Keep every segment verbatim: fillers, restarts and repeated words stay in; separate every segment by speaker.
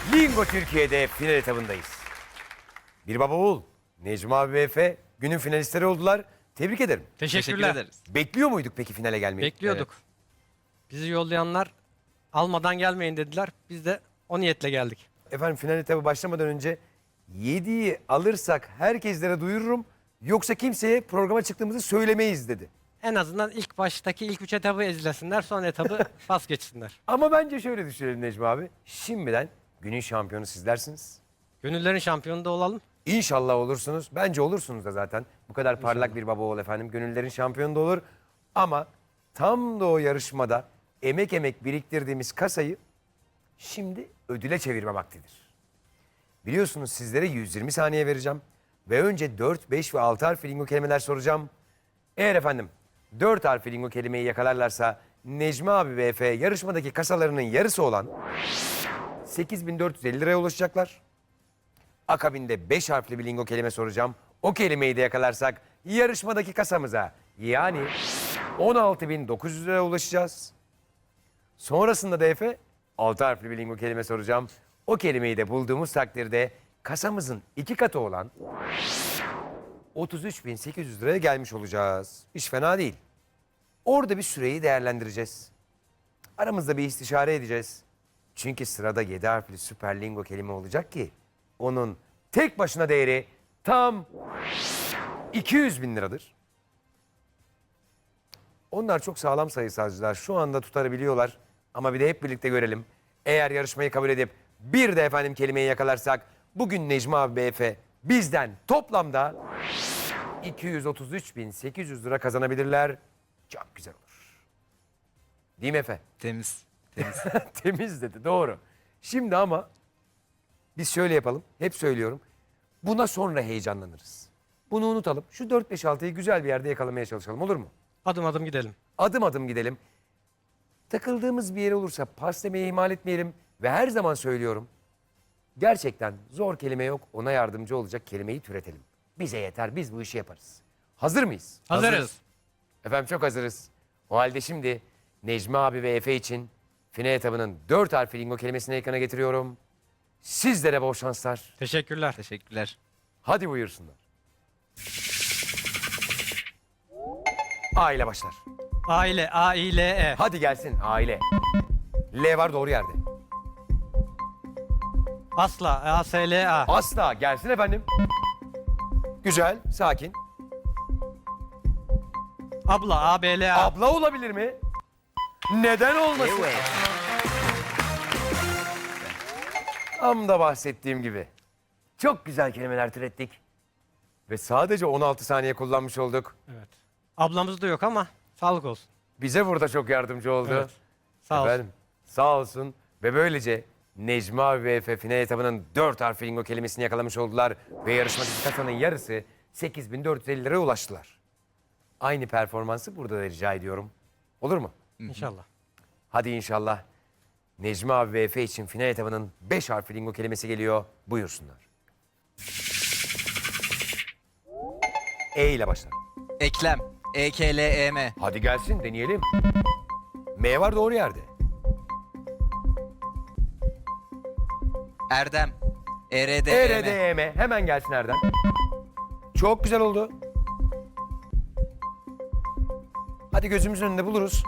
Speaker 1: Lingo Türkiye'de final etabındayız. Bir baba oğul, Necmi abi ve Efe günün finalistleri oldular. Tebrik ederim.
Speaker 2: Teşekkürler.
Speaker 3: Teşekkür ederiz.
Speaker 1: Bekliyor muyduk peki finale gelmeyi?
Speaker 2: Bekliyorduk. Bizi yollayanlar almadan gelmeyin dediler. Biz de o niyetle geldik.
Speaker 1: Efendim final etabı başlamadan önce yediği alırsak herkeslere duyururum. Yoksa kimseye programa çıktığımızı söylemeyiz dedi.
Speaker 2: En azından ilk baştaki ilk üç etabı ezlesinler, son etabı pas geçsinler.
Speaker 1: Ama bence şöyle düşünelim Necmi abi. Şimdiden günün şampiyonu sizlersiniz.
Speaker 2: Gönüllerin şampiyonu da olalım.
Speaker 1: İnşallah olursunuz. Bence olursunuz da zaten. Bu kadar parlak bir baba oğul efendim. Gönüllerin şampiyonu da olur. Ama tam da o yarışmada emek emek biriktirdiğimiz kasayı şimdi ödüle çevirme vaktidir. Biliyorsunuz sizlere yüz yirmi saniye vereceğim. Ve önce dört, beş ve altı harfli lingo kelimeler soracağım. Eğer efendim dört harfli lingo kelimeyi yakalarlarsa Necmi abi ve Efe yarışmadaki kasalarının yarısı olan sekiz bin dört yüz elli liraya ulaşacaklar. Akabinde beş harfli bir lingo kelime soracağım. O kelimeyi de yakalarsak yarışmadaki kasamıza yani on altı bin dokuz yüz liraya ulaşacağız. Sonrasında da Efe altı harfli bir lingo kelime soracağım. O kelimeyi de bulduğumuz takdirde kasamızın iki katı olan otuz üç bin sekiz yüz liraya gelmiş olacağız. Hiç fena değil. Orada bir süreyi değerlendireceğiz. Aramızda bir istişare edeceğiz. Çünkü sırada yedi harfli süper lingo kelime olacak ki onun tek başına değeri tam iki yüz bin liradır. Onlar çok sağlam sayısalcılar. Şu anda tutarabiliyorlar. Ama bir de hep birlikte görelim. Eğer yarışmayı kabul edip bir de efendim kelimeyi yakalarsak bugün Necmi abi ve Efe bizden toplamda iki yüz otuz üç bin sekiz yüz lira kazanabilirler. Çok güzel olur. Değil mi Efe?
Speaker 3: Temiz. Temiz.
Speaker 1: Temiz dedi, doğru. Şimdi ama biz şöyle yapalım. Hep söylüyorum. Buna sonra heyecanlanırız. Bunu unutalım. Şu dört beş altıyı güzel bir yerde yakalamaya çalışalım, olur mu?
Speaker 2: Adım adım gidelim.
Speaker 1: Adım adım gidelim. Takıldığımız bir yer olursa pas demeyi ihmal etmeyelim. Ve her zaman söylüyorum. Gerçekten zor kelime yok. Ona yardımcı olacak kelimeyi türetelim. Bize yeter. Biz bu işi yaparız. Hazır mıyız?
Speaker 2: Hazırız.
Speaker 1: Efendim çok hazırız. O halde şimdi Necmi abi ve Efe için final etabının dört harfli lingo kelimesini ekrana getiriyorum. Sizlere bol şanslar.
Speaker 2: Teşekkürler.
Speaker 3: Teşekkürler.
Speaker 1: Hadi buyursunlar. A ile başlar.
Speaker 2: Aile, A I L E.
Speaker 1: Hadi gelsin aile. L var doğru yerde.
Speaker 2: Asla, A S L A.
Speaker 1: Asla gelsin efendim. Güzel, sakin.
Speaker 2: Abla, A B L A.
Speaker 1: Abla olabilir mi? Neden olmasın? Tam da bahsettiğim gibi. Çok güzel kelimeler türettik. Ve sadece on altı saniye kullanmış olduk.
Speaker 2: Evet. Ablamız da yok ama sağlık olsun.
Speaker 1: Bize burada çok yardımcı oldu.
Speaker 2: Evet. Sağ olsun.
Speaker 1: Efendim, sağ olsun. Ve böylece Necmi abi ve Efe final etabının dört harfli lingo kelimesini yakalamış oldular. Ve yarışmadaki kasanın yarısı sekiz bin dört yüz elli liraya ulaştılar. Aynı performansı burada da rica ediyorum. Olur mu?
Speaker 2: İnşallah.
Speaker 1: Hadi inşallah. Necmi abi ve Efe için final etabının beş harfli lingo kelimesi geliyor. Buyursunlar. E ile başlar.
Speaker 3: Eklem. E K L E M.
Speaker 1: Hadi gelsin deneyelim. M var doğru yerde.
Speaker 3: Erdem. E R D
Speaker 1: E
Speaker 3: E
Speaker 1: R D
Speaker 3: M.
Speaker 1: E M. Hemen gelsin Erdem. Çok güzel oldu. Hadi gözümüzün önünde buluruz.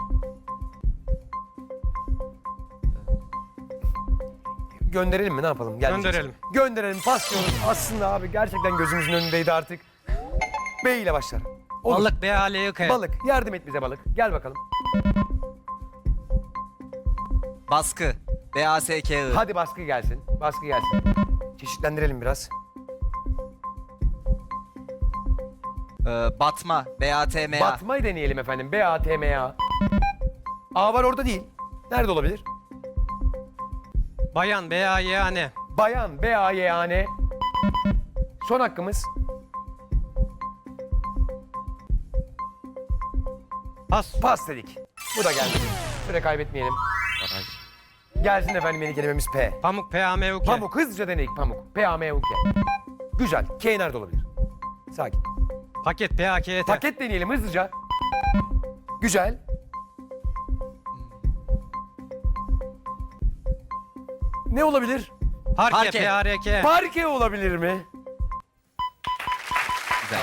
Speaker 1: Gönderelim mi ne yapalım? Gel
Speaker 2: Gönderelim.
Speaker 1: diyeceksin. Gönderelim paslıyoruz. Aslında abi gerçekten gözümüzün önündeydi artık. B ile başlar. Olur.
Speaker 2: Balık, B A L Y K.
Speaker 1: Balık. Yardım et bize balık. Gel bakalım.
Speaker 3: Baskı. B A S K I.
Speaker 1: Hadi baskı gelsin. Baskı gelsin. Çeşitlendirelim biraz.
Speaker 3: Ee, batma. B A T M A.
Speaker 1: Batmayı deneyelim efendim. B A T M A. A var orada değil. Nerede olabilir?
Speaker 2: Bayan, B A Y A N.
Speaker 1: Bayan. B A Y A N. Son hakkımız.
Speaker 2: Pas.
Speaker 1: Pas dedik. Bu da geldi. Süre kaybetmeyelim. Gelsin efendim yeni kelimemiz P.
Speaker 2: Pamuk, P A M U K.
Speaker 1: Pamuk. Hızlıca denedik pamuk. P A M U K. Güzel. K nerede olabilir? Sakin.
Speaker 2: Paket, P A K E T.
Speaker 1: Paket deneyelim hızlıca. Güzel. Ne olabilir?
Speaker 2: Parke,
Speaker 3: Parke.
Speaker 2: P A R K.
Speaker 1: Parke olabilir mi?
Speaker 3: Güzel.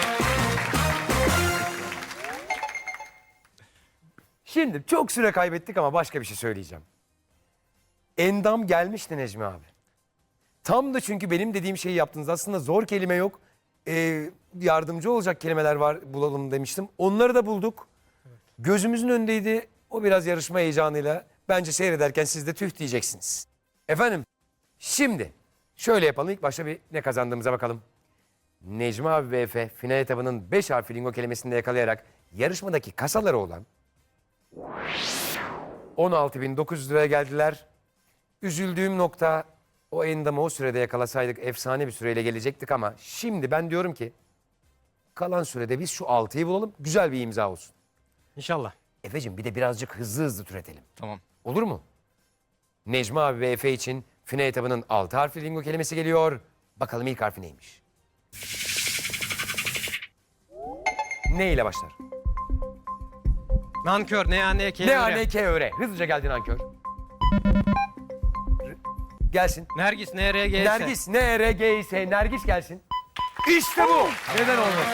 Speaker 1: Şimdi çok süre kaybettik ama başka bir şey söyleyeceğim. Endam gelmişti Necmi abi. Tam da çünkü benim dediğim şeyi yaptınız. Aslında zor kelime yok. Ee, yardımcı olacak kelimeler var bulalım demiştim. Onları da bulduk. Gözümüzün önündeydi. O biraz yarışma heyecanıyla. Bence seyrederken siz de tüh diyeceksiniz. Efendim şimdi şöyle yapalım. İlk başta bir ne kazandığımıza bakalım. Necmi abi ve Efe final etabının beş harfli lingo kelimesini de yakalayarak yarışmadaki kasaları olan on altı bin dokuz yüz liraya geldiler. Üzüldüğüm nokta o endamı o sürede yakalasaydık efsane bir süreyle gelecektik ama şimdi ben diyorum ki kalan sürede biz şu altıyı bulalım, güzel bir imza olsun.
Speaker 2: İnşallah.
Speaker 1: Efe'cim bir de birazcık hızlı hızlı türetelim.
Speaker 3: Tamam.
Speaker 1: Olur mu? Necmi abi ve Efe için final etabının altı harfli lingo kelimesi geliyor. Bakalım ilk harfi neymiş? Ne ile başlar?
Speaker 2: Nankör. Ne ya ne K.
Speaker 1: Ne A N K öre. Hızlıca geldin nankör. R- Gelsin.
Speaker 2: Nergis. N R G S.
Speaker 1: Nergis, N R G ise Nergis gelsin. İşte bu. Neden olmasın?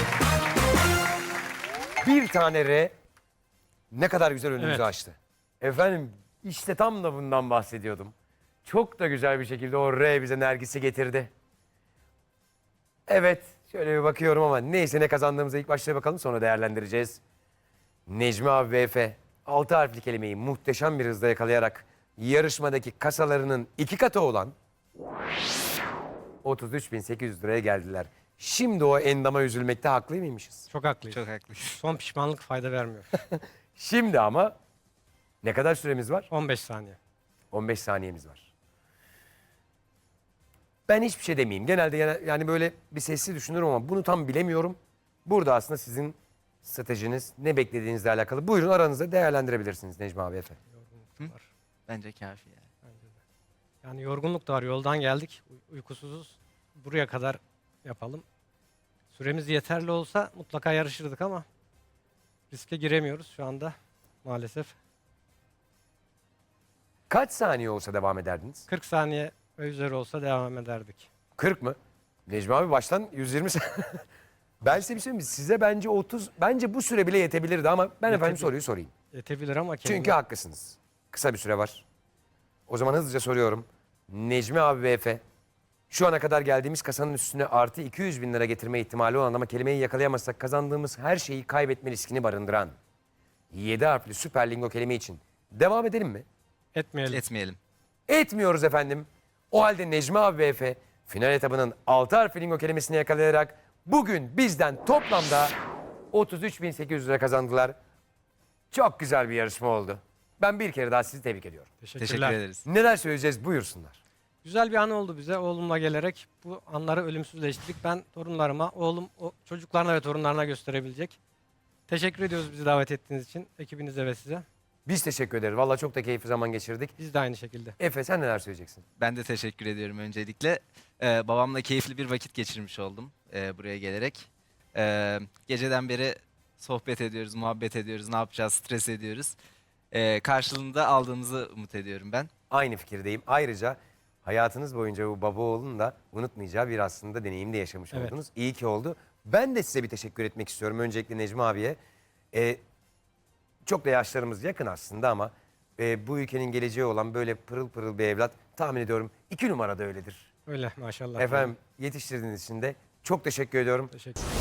Speaker 1: Bir tane R ne kadar güzel önümüzü
Speaker 2: Evet.
Speaker 1: açtı. Efendim işte tam da bundan bahsediyordum. Çok da güzel bir şekilde o R bize Nergis'i getirdi. Evet şöyle bir bakıyorum ama neyse ne kazandığımıza ilk başta bakalım sonra değerlendireceğiz. Necmi abi ve Efe altı harfli kelimeyi muhteşem bir hızla yakalayarak yarışmadaki kasalarının iki katı olan otuz üç bin sekiz yüz liraya geldiler. Şimdi o endama üzülmekte haklı mıymışız?
Speaker 2: Çok haklıyız.
Speaker 3: Çok haklısın.
Speaker 2: Son pişmanlık fayda vermiyor.
Speaker 1: Şimdi ama ne kadar süremiz var?
Speaker 2: on beş saniye.
Speaker 1: on beş saniyemiz var. Ben hiçbir şey demeyeyim. Genelde yana- yani böyle bir sesli düşünürüm ama bunu tam bilemiyorum. Burada aslında sizin stratejiniz, ne beklediğinizle alakalı. Buyurun aranızda değerlendirebilirsiniz Necmi abi Efe.
Speaker 3: Bence kafi yani.
Speaker 2: Yani yorgunluk da var. Yoldan geldik. Uy- uykusuzuz. Buraya kadar yapalım. Süremiz yeterli olsa mutlaka yarışırdık ama riske giremiyoruz şu anda maalesef.
Speaker 1: Kaç saniye olsa devam ederdiniz?
Speaker 2: kırk saniye ve üzeri olsa devam ederdik.
Speaker 1: kırk mı? Necmi abi baştan yüz yirmi saniye. Ben size bir şey söyleyeyim mi? Size bence otuz, bence bu süre bile yetebilirdi ama ben efendim
Speaker 2: Yetebilir.
Speaker 1: soruyu sorayım.
Speaker 2: Yetebilir ama kelime-
Speaker 1: Çünkü haklısınız. Kısa bir süre var. O zaman hızlıca soruyorum. Necmi abi ve Efe şu ana kadar geldiğimiz kasanın üstüne artı iki yüz bin lira getirme ihtimali olan ama kelimeyi yakalayamazsak kazandığımız her şeyi kaybetme riskini barındıran yedi harfli süper lingo kelime için devam edelim mi?
Speaker 2: etmeyelim.
Speaker 3: Etmeyelim.
Speaker 1: Etmiyoruz efendim. O halde Necmi abi ve Efe final etabının altı harfli lingo kelimesini yakalayarak bugün bizden toplamda otuz üç bin sekiz yüz lira kazandılar. Çok güzel bir yarışma oldu. Ben bir kere daha sizi tebrik ediyorum.
Speaker 2: Teşekkürler.
Speaker 3: Teşekkür ederiz.
Speaker 1: Neler söyleyeceğiz buyursunlar.
Speaker 2: Güzel bir an oldu bize. Oğlumla gelerek bu anları ölümsüzleştirdik. Ben torunlarıma, oğlum o çocuklarına ve torunlarına gösterebilecek. Teşekkür ediyoruz bizi davet ettiğiniz için. Ekibinize ve size.
Speaker 1: Biz teşekkür ederiz. Vallahi çok da keyifli zaman geçirdik.
Speaker 2: Biz de aynı şekilde.
Speaker 1: Efe sen neler söyleyeceksin?
Speaker 3: Ben de teşekkür ediyorum öncelikle. Ee, babamla keyifli bir vakit geçirmiş oldum e, buraya gelerek. Ee, geceden beri sohbet ediyoruz, muhabbet ediyoruz, ne yapacağız, stres ediyoruz. Ee, karşılığında aldığımızı umut ediyorum ben.
Speaker 1: Aynı fikirdeyim. Ayrıca hayatınız boyunca bu baba oğlun da unutmayacağı bir aslında deneyim de yaşamış
Speaker 2: Evet.
Speaker 1: oldunuz. İyi ki oldu. Ben de size bir teşekkür etmek istiyorum. Öncelikle Necmi abiye. Ee, çok da yaşlarımız yakın aslında ama e, bu ülkenin geleceği olan böyle pırıl pırıl bir evlat tahmin ediyorum iki numarada öyledir.
Speaker 2: Öyle maşallah.
Speaker 1: Efendim yetiştirdiğiniz için de çok teşekkür ediyorum.
Speaker 2: Teşekkür